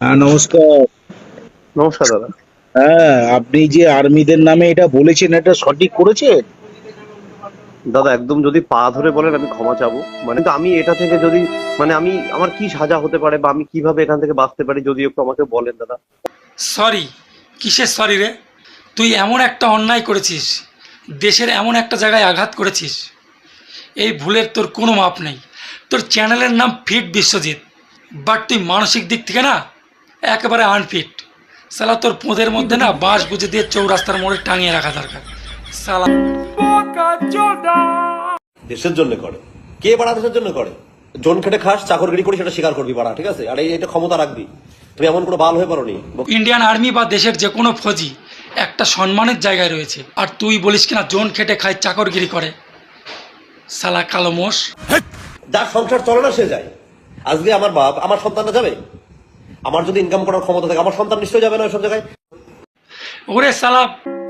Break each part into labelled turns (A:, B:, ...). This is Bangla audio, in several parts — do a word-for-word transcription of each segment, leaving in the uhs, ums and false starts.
A: হ্যাঁ, নমস্কার।
B: নমস্কার দাদা।
A: হ্যাঁ, আপনি যে আর্মিদের নামে এটা বলেছেন, এটা সঠিক করেছেন?
B: দাদা একদম যদি পা ধরে বলেন আমি ক্ষমা চাবো। মানে কিন্তু আমি এটা থেকে যদি মানে আমি আমার কি সাজা হতে পারে বা আমি কিভাবে এখান থেকে বাঁচতে পারি যদি একটু আমাকে বলেন দাদা।
C: সরি? কিসের সরি রে? তুই এমন একটা অন্যায় করেছিস, দেশের এমন একটা জায়গায় আঘাত করেছিস, এই ভুলের তোর কোনো মাপ নেই। তোর চ্যানেলের নাম ফিট বিশ্বজিৎ, বাট তুই মানসিক দিক থেকে না একেবারে আনফিট। সালা তোর পোঁদের মধ্যে না বাঁশ গুঁজে দিয়ে চৌরাস্তার মোড়ে টাঙিয়ে রাখা দরকার। সালা
D: দেশের জন্য করে। কে বাড়া দেশের জন্য করে? জন খেটে খাস, চাকরগিরি করি, সেটা স্বীকার করবি বাড়া, ঠিক আছে? আর এই- এটা ক্ষমতা রাখবি। তুমি এমন কোনো বাল হয়ে পারোনি।
C: ইন্ডিয়ান আর্মি বা দেশের যে কোনো ফৌজি একটা সম্মানের জায়গায় রয়েছে, আর তুই বলিস কিনা জোন খেটে খায়, চাকরগিরি করে। সালা কালো মোষ।
D: যার সংসার চলে না সে যায়। আজকে আমার বাপ আমার সন্তানরা যাবে? আমার যদি ইনকাম করার ক্ষমতা থাকে আমার সন্তান নিশ্চয়ই যাবে না ওইসব জায়গায়।
C: ওরে সালা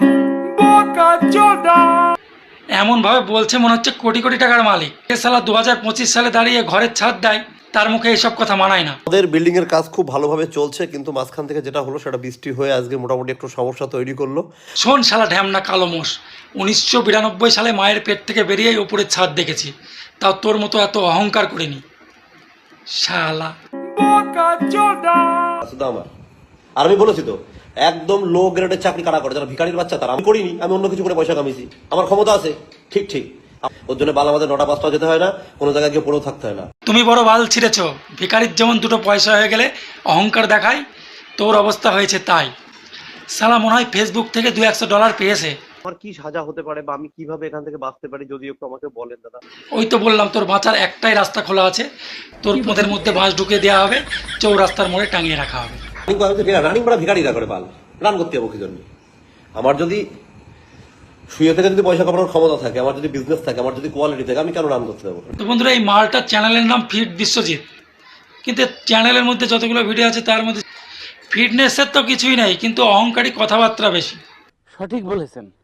C: এমন ভাবে বলছে মনে হচ্ছে কোটি কোটি টাকার মালিক। এ সালা দু হাজার পঁচিশ সালে দাঁড়িয়ে ঘরের ছাদ দেয়, তার মুখে এসব কথা মানায় না।
D: আমাদের বিল্ডিং এর কাজ খুব ভালোভাবে চলছে, কিন্তু মাঝখান থেকে যেটা হলো সেটা বৃষ্টি হয়ে আজকে মোটামুটি একটু সমস্যা তৈরি করলো।
C: শোন শালা ঢ্যামনা কালো মোষ, উনিশশো বিরানব্বই সালে মায়ের পেট থেকে বেরিয়েই ওপরের ছাদ দেখেছি, তাও তোর মতো এত অহংকার করিনি শালা।
D: শুধু আমার। আর আমি বলেছি তো, একদম লো গ্রেডের চাকরি কারা করে, যারা ভিখারির বাচ্চা, তারা। আমি করিনি, আমি অন্য কিছু করে পয়সা কামিয়েছি, আমার ক্ষমতা আছে। ঠিক ঠিক ওর জন্য বাল আমাদের নটা পাঁচটা যেতে হয় না, কোনো জায়গায় গিয়ে পড়েও থাকতে হয় না।
C: তুমি বড় বাল ছিঁড়েছ। ভিখারির যেমন দুটো পয়সা হয়ে গেলে অহংকার দেখায়, তোর অবস্থা হয়েছে তাই। শালা মনে হয় ফেসবুক থেকে দু একশো ডলার পেয়েছে।
B: আমার কি সাজা হতে পারে বা আমি কিভাবে এখান থেকে বাঁচতে পারি যদি একটু আমাকে বলেন দাদা।
C: ওই তো বললাম তোর বাঁচার একটাই রাস্তা খোলা আছে, তোর পোঁদের মধ্যে বাঁশ ঢুকিয়ে দেওয়া হবে, চৌরাস্তার মোড়ে টাঙিয়ে রাখা হবে।
D: রানিং করা ভিখারিরা করে বাল, রান করতে যাবো কি জন্য? আমার যদি শুয়ে থেকে যদি পয়সা কামানোর ক্ষমতা থাকে, আমার যদি বিজনেস থাকে, আমার যদি কোয়ালিটি থাকে, আমি কেন রান করতে যাবো?
C: তো বন্ধুরা, এই মালটার চ্যানেলের নাম ফিট বিশ্বজিৎ, কিন্তু চ্যানেলের মধ্যে যতগুলো ভিডিও আছে তার মধ্যে ফিটনেসের তো কিছুই নাই, কিন্তু অহংকারী কথাবার্তা বেশি।
E: সঠিক বলেছেন।